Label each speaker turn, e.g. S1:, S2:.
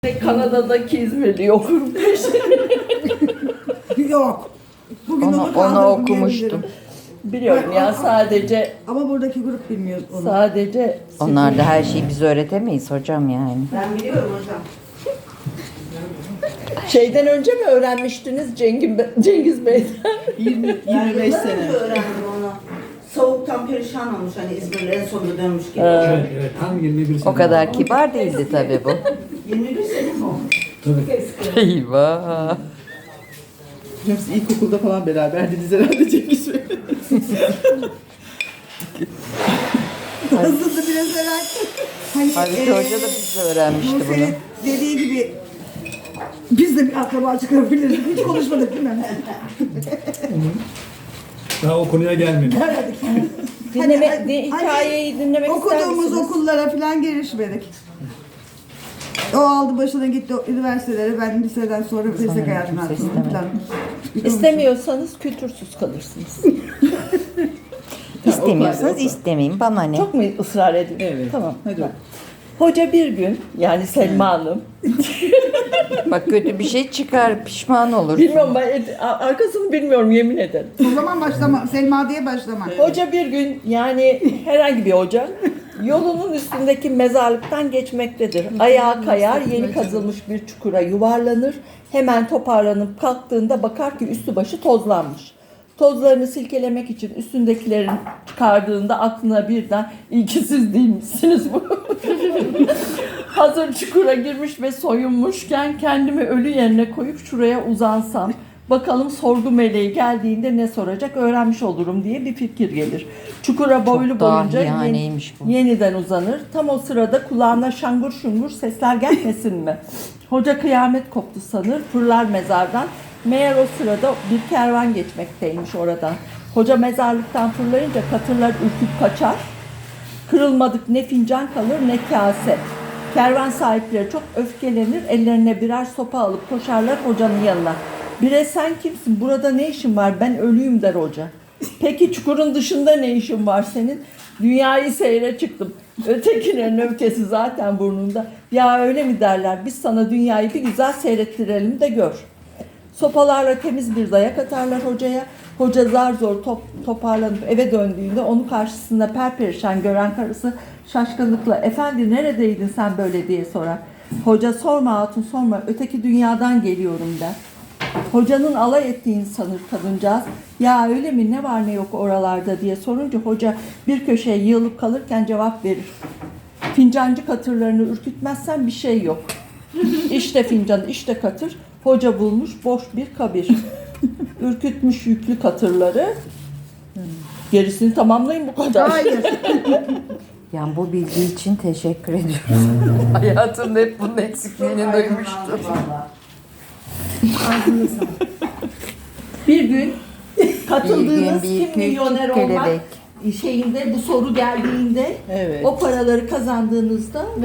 S1: Kanada'daki İzmirli okurum.
S2: Yok. Bugün
S1: Onu
S2: kaldırdım,
S1: okumuştum.
S2: diyebilirim.
S1: Biliyorum ya sadece
S2: Ama buradaki grup bilmiyor onu.
S1: sadece
S3: Onlar da her şeyi biz öğretemeyiz hocam yani.
S2: Ben biliyorum hocam.
S1: şeyden önce mi öğrenmiştiniz Cengiz Bey'den?
S4: 25 sene.
S5: öğrendim onu. Soğuktan perişan olmuş hani İzmir'e en sonunda dönmüş gibi.
S4: Evet, evet, tam 21 sene.
S3: O kadar kibar değildi tabii bu.
S5: 21 sene mi olmuş?
S4: Tabii.
S3: Eyvah.
S4: Hocam siz ilkokulda falan beraberdiniz herhalde Cengiz Bey.
S2: Aslında biraz merak. Hani,
S3: Halbuki hoca da bizle öğrenmişti bunu.
S2: Nursel'in dediği gibi biz de bir akraba çıkarabiliriz. Hiç konuşmadık değil mi?
S4: Daha o konuya gelmedik.
S1: Hikayeyi dinlemek ister
S2: Okuduğumuz
S1: misiniz?
S2: okullara falan girişmedik. O aldı başına gitti üniversitelere. Ben liseden sonra meslek hayatına
S3: kimse
S2: atıldım
S3: istemedi.
S2: falan.
S1: İstemiyorsanız kültürsüz kalırsınız.
S3: İstemiyorsanız istemeyin. Bana ne?
S1: Çok mu ısrar edin?
S4: Evet.
S1: Tamam.
S4: Hadi.
S1: Hoca bir gün yani Selma Hanım.
S3: Bak kötü bir şey çıkar pişman olur.
S1: Bilmiyorum ben arkasını bilmiyorum yemin ederim.
S2: O zaman başlama. Selma diye başlama.
S1: Hoca bir gün yani herhangi bir hoca yolunun üstündeki mezarlıktan geçmektedir. Ayağı kayar, yeni kazılmış bir çukura yuvarlanır. Hemen toparlanıp kalktığında bakar ki üstü başı tozlanmış. Tozlarını silkelemek için üstündekilerin çıkardığında aklına birden iyi ki siz değilmişsiniz bu. Hazır çukura girmiş ve soyunmuşken kendimi ölü yerine koyup şuraya uzansam. Bakalım sorgu meleği geldiğinde ne soracak öğrenmiş olurum diye bir fikir gelir. Çukura boylu boyunca
S3: dahiyaneymiş bu.
S1: yeniden uzanır. Tam o sırada kulağına şangur şungur sesler gelmesin mi? Hoca kıyamet koptu sanır, fırlar mezardan. Meğer o sırada bir kervan geçmekteymiş oradan. Hoca mezarlıktan fırlayınca katırlar ürküp kaçar. Kırılmadık ne fincan kalır ne kase. Kervan sahipleri çok öfkelenir, ellerine birer sopa alıp koşarlar hocanın yanına. Bire sen kimsin, burada ne işin var, ben ölüyüm der hoca. Peki çukurun dışında ne işin var senin? Dünyayı seyre çıktım. Ötekilerin öfkesi zaten burnunda. Ya öyle mi derler, biz sana dünyayı bir güzel seyrettirelim de gör. Sopalarla temiz bir dayak atarlar hocaya. Hoca zar zor toparlanıp eve döndüğünde onu karşısında perperişan gören karısı şaşkınlıkla "Efendi neredeydin sen böyle?" diye sorar. Hoca "Sorma hatun sorma, öteki dünyadan geliyorum" der. Hocanın alay ettiğini sanır kadıncağız. "Ya öyle mi, ne var ne yok oralarda?" diye sorunca hoca bir köşeye yığılıp kalırken cevap verir. "Fincancı katırlarını ürkütmezsen bir şey yok. İşte fincan, işte katır. Hoca bulmuş boş bir kabir. Ürkütmüş yüklü katırları. Gerisini tamamlayın bu kadar."
S2: Hayır.
S3: Yani bu bilgi için teşekkür ediyorum. Hayatımda hep bunun eksikliğini duymuştum.
S1: Bir gün katıldığınız
S3: Bir gün bir
S1: Kim Milyoner
S3: küçük
S1: Olmak
S3: kelebek.
S1: şeyinde bu soru geldiğinde
S4: Evet.
S1: o paraları kazandığınızda